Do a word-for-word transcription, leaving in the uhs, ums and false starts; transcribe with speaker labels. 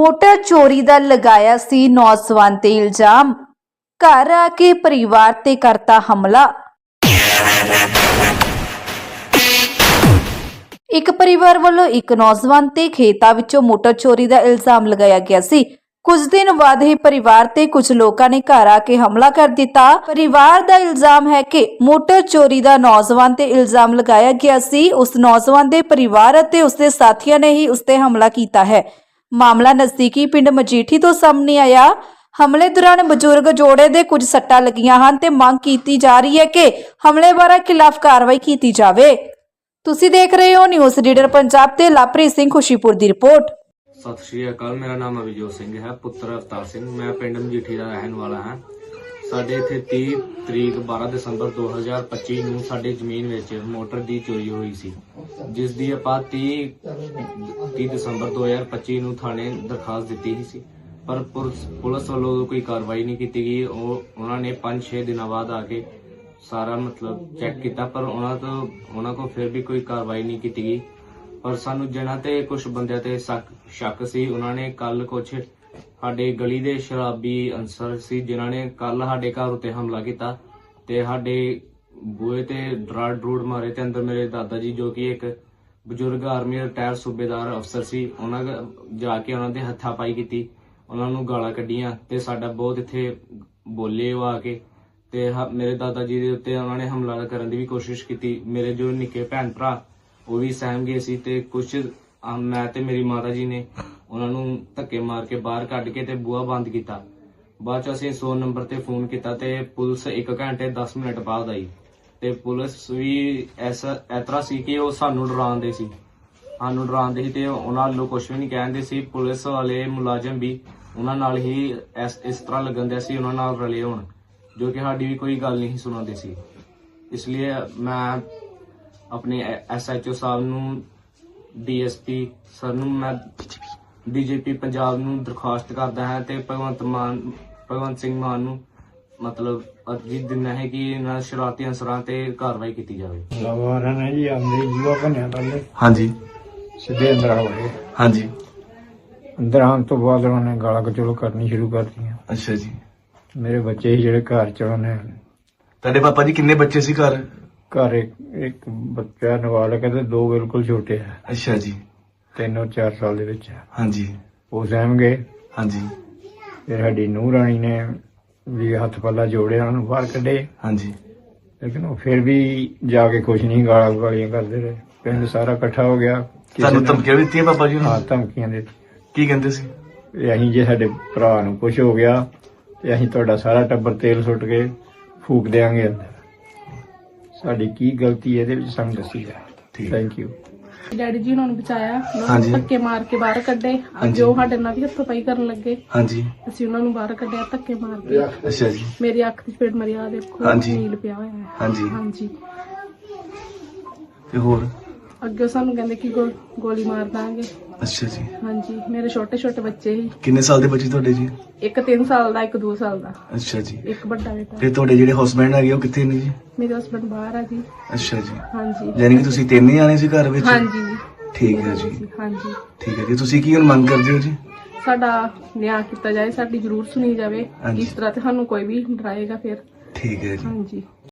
Speaker 1: Motor ਚੋਰੀ ਦਾ ਲਗਾਇਆ ਸੀ ਨੌਜਵਾਨ ਤੇ ਇਲਜ਼ਾਮ। ਘਰ ਆ ਕੇ ਪਰਿਵਾਰ ਤੇ ਕਰਤਾ ਹਮਲਾ। ਇੱਕ ਪਰਿਵਾਰ ਵੱਲੋਂ ਇੱਕ ਨੌਜਵਾਨ ਤੇ ਖੇਤਾਂ ਵਿੱਚੋਂ ਮੋਟਰ ਚੋਰੀ ਦਾ ਇਲਜ਼ਾਮ ਲਗਾਇਆ ਗਿਆ ਸੀ। ਕੁਝ ਦਿਨ ਬਾਅਦ ਹੀ ਪਰਿਵਾਰ ਤੇ ਕੁਝ ਲੋਕਾਂ ਨੇ ਘਰ ਆ ਕੇ ਹਮਲਾ ਕਰ ਦਿੱਤਾ। ਪਰਿਵਾਰ ਦਾ ਇਲਜ਼ਾਮ ਹੈ ਕਿ ਮੋਟਰ ਚੋਰੀ ਦਾ ਨੌਜਵਾਨ ਤੇ ਇਲਜ਼ਾਮ ਲਗਾਇਆ ਗਿਆ ਸੀ। ਉਸ ਨੌਜਵਾਨ ਦੇ ਪਰਿਵਾਰ ਅਤੇ ਉਸਦੇ ਸਾਥੀਆਂ ਨੇ ਹੀ ਉਸ ਤੇ ਹਮਲਾ ਕੀਤਾ ਹੈ। ਮਾਮਲਾ ਨਜ਼ਦੀਕੀ ਪਿੰਡ ਮਜੀਠੀ ਤੋਂ ਸਾਹਮਣੇ ਆਇਆ। ਹਮਲੇ ਦੌਰਾਨ ਬਜ਼ੁਰਗ ਜੋੜੇ ਦੇ ਕੁਝ ਸੱਟਾਂ ਲੱਗੀਆਂ ਹਨ ਤੇ ਮੰਗ ਕੀਤੀ ਜਾ ਰਹੀ ਹੈ ਕਿ ਹਮਲੇਵਾਰਾਂ ਖਿਲਾਫ ਕਾਰਵਾਈ ਕੀਤੀ ਜਾਵੇ। ਤੁਸੀਂ ਦੇਖ ਰਹੇ ਹੋ ਨਿਊਜ਼ ਰੀਡਰ ਪੰਜਾਬ ਤੇ ਲਵਪ੍ਰੀਤ ਸਿੰਘ ਖੁਸ਼ੀਪੁਰ ਦੀ ਰਿਪੋर्ट।
Speaker 2: सत श्री अकाल। मेरा नाम अभिजोत सिंह है, पुत्र अवतार सिंह। मैं पिंड मजीठी का रहने वाला हाँ। साडे इत्थे तीह तरीक बारह दसंबर दो हज़ार पच्ची नूं साडे जमीन विच मोटर दी चोरी हुई सी, जिस दी आपां तीह तीह दसंबर दो हज़ार पच्ची नूं थाणे दरखास्त दित्ती सी, पर पुलिस वालों कोई कार्रवाई नहीं की गई। उन्होंने पांच छे दिन बाद आके सारा मतलब चेक किया, पर उन्होंने तो उन्होंने को फिर भी कोई कार्रवाई नहीं की गई। पर सानू जिन्हां ते कुछ बंदे ते शक शक सी, उन्होंने कल कुछ साडे गली दे शराबी अंसर सी जिन्हां ने कल साडे घर उत्ते हमला किया ते साडे बूहे ते ड्राड़ ड्रूड़ मारे ते अंदर मेरे दादा जी जो कि एक बजुर्ग आर्मी रिटायर सूबेदार अफसर सी, उन्हां जाके उन्हां दे हत्थापाई कीती, उन्हां नूं गालां कड्ढियां ते साडा बहुत इत्थे बोले वो आके ते मेरे दादा जी दे उत्ते उन्होंने हमला करन दी भी कोशिश की। मेरे जो निक्के भैन भरा वो भी सहम गए सी ते कुछ मैं ते मेरी माता जी ने उन्होंने धक्के मार के बाहर कढ़ के ते बूहा बंद किया। बाद च असीं सौ नंबर ते फोन किया ते पुलिस एक घंटे दस मिनट बाद आई ते पुलिस भी ऐसा इतरा सी कि वो सानू डरांदे सी सानू डरांदे सी ते उन्हां वालों कुछ भी नहीं कहंदे सी। पुलिस वाले मुलाजम भी उन्हां नाल ही इस इस तरह लगन दे सी उन्हां नाल रले होण, जो कि साडी भी कोई गल नहीं सुनांदे सी। इसलिए मैं अपने एस एच ओ साहब नूं, डी एस पी सर नूं, मैं डी जी पी पंजाब नूं दरखास्त करदा हां ते भगवंत मान भगवंत सिंह मान नूं मतलब अर्जी दिंदा है कि इन्हां शरारती अंसरां ते कार्रवाई की जाए।
Speaker 3: लवारा ने जी आंदे जीवा बनिया पहले
Speaker 2: हाँ जी
Speaker 3: सीधे अंदर आ गए।
Speaker 2: हाँ जी
Speaker 3: अंदर आने तो बाद उन्होंने गाला कचोल करनी शुरू कर दी।
Speaker 2: अच्छा जी।
Speaker 3: मेरे बच्चे ही जेड़े घर च उन्होंने
Speaker 2: तेरे पापा जी किन्ने बच्चे सी घर?
Speaker 3: घर एक एक बच्चा नाबालिग है ते दो बिल्कुल छोटे है।
Speaker 2: अच्छा जी।
Speaker 3: तीन और चार साल दे विच है।
Speaker 2: हाँ जी।
Speaker 3: वो सहम गए।
Speaker 2: हाँ जी।
Speaker 3: फिर साडी नूंह राणी ने भी हथ पल्ला जोड़े उन्होंने बाहर कढे।
Speaker 2: हाँ जी। लेकिन
Speaker 3: वो फिर भी जाके कुछ नहीं, गाला गालियां करते रहे। पिंड सारा इकट्ठा हो गया।
Speaker 2: ਤੁਹਾਨੂੰ ਧਮਕੀਆਂ ਵੀ ਦਿੱਤੀਆਂ ਪਾਪਾ ਜੀ ਨੂੰ?
Speaker 3: हाँ धमकियां दे
Speaker 2: ਕੀ ਕਹਿੰਦੇ ਸੀ?
Speaker 3: ਅਸੀਂ ਜੇ ਸਾਡੇ ਭਰਾ ਨੂੰ ਕੁਝ ਹੋ ਗਿਆ ਤੇ ਅਸੀਂ ਤੁਹਾਡਾ ਸਾਰਾ ਟੱਬਰ ਤੇਲ ਸੁੱਟ ਕੇ ਫੂਕ ਦੇਾਂਗੇ ਅੰਦਰ। ਸਾਡੀ ਕੀ ਗਲਤੀ ਇਹਦੇ ਵਿੱਚ ਸਾਨੂੰ ਦੱਸੀ ਜਾ। Thank you.
Speaker 4: ਡੈਡੀ ਜੀ ਉਹਨਾਂ ਨੂੰ ਬਚਾਇਆ, ਉਹਨਾਂ
Speaker 2: ਹਾਂਜੀ।
Speaker 4: ਨੂੰ ਧੱਕੇ ਮਾਰ ਕੇ ਬਾਹਰ ਕੱਢੇ। ਅੱਜ ਉਹ ਸਾਡੇ ਨਾਲ ਵੀ ਹੱਥੋਂ-ਪਾਈ ਕਰਨ ਲੱਗੇ।
Speaker 2: ਹਾਂਜੀ।
Speaker 4: ਅਸੀਂ ਉਹਨਾਂ ਨੂੰ ਬਾਹਰ ਕੱਢਿਆ ਧੱਕੇ ਮਾਰ ਕੇ।
Speaker 2: ਅੱਛਾ ਜੀ।
Speaker 4: ਮੇਰੀ ਅੱਖ ਦੀ ਪੇੜ ਮਰਿਆ ਦੇਖੋ,
Speaker 2: ਹਾਂਜੀ।
Speaker 4: ਨੀਲ ਪਿਆ ਹੋਇਆ ਹੈ।
Speaker 2: ਹਾਂਜੀ।
Speaker 4: ਹਾਂਜੀ।
Speaker 2: ਤੇ ਹੋਰ
Speaker 4: ਅੱਗੇ ਸਾਨੂੰ ਕਹਿੰਦੇ ਕਿ ਗੋ- ਗੋਲੀ ਮਾਰ ਦਾਂਗੇ।
Speaker 2: ਅੱਛਾ ਜੀ।
Speaker 4: ਹਾਂਜੀ। ਮੇਰੇ ਛੋਟੇ ਛੋਟੇ ਬੱਚੇ ਸੀ,
Speaker 2: ਕਿੰਨੇ ਸਾਲ ਦੇ ਬੱਚੇ ਤੁਹਾਡੇ ਜੀ?
Speaker 4: ਇੱਕ ਤਿੰਨ ਸਾਲ ਦਾ, ਇੱਕ ਦੋ ਸਾਲ ਦਾ,
Speaker 2: ਅੱਛਾ ਜੀ।
Speaker 4: ਇੱਕ ਵੱਡਾ ਬੇਟਾ।
Speaker 2: ਤੇ ਤੁਹਾਡੇ ਜਿਹੜੇ ਹਸਬੰਡ ਹੈਗੇ ਉਹ ਕਿੱਥੇ ਨੇ ਜੀ?
Speaker 4: ਮੇਰੇ ਹਸਬੰਡ ਬਾਹਰ ਆ ਜੀ।
Speaker 2: ਅੱਛਾ ਜੀ।
Speaker 4: ਹਾਂਜੀ।
Speaker 2: ਯਾਨੀ ਕਿ ਤੁਸੀਂ ਤਿੰਨ ਹੀ ਆਣੇ ਸੀ ਘਰ ਵਿੱਚ?
Speaker 4: ਹਾਂਜੀ।
Speaker 2: ਠੀਕ ਹੈ ਜੀ।
Speaker 4: ਹਾਂਜੀ।
Speaker 2: ਠੀਕ ਹੈ ਜੀ। ਤੁਸੀਂ ਕੀ ਹੁਣ ਮੰਗ ਕਰਦੇ ਹੋ ਜੀ?
Speaker 4: ਸਾਡਾ ਨਿਆਂ ਕੀਤਾ ਜਾਏ, ਸਾਡੀ ਜ਼ਰੂਰ ਸੁਣੀ ਜਾਵੇ।
Speaker 2: ਹਾਂਜੀ।
Speaker 4: ਇਸ ਤਰ੍ਹਾਂ ਤੇ ਸਾਨੂੰ ਕੋਈ ਵੀ ਡਰਾਏਗਾ ਫਿਰ।
Speaker 2: ਠੀਕ ਹੈ ਜੀ।
Speaker 4: ਹਾਂਜੀ।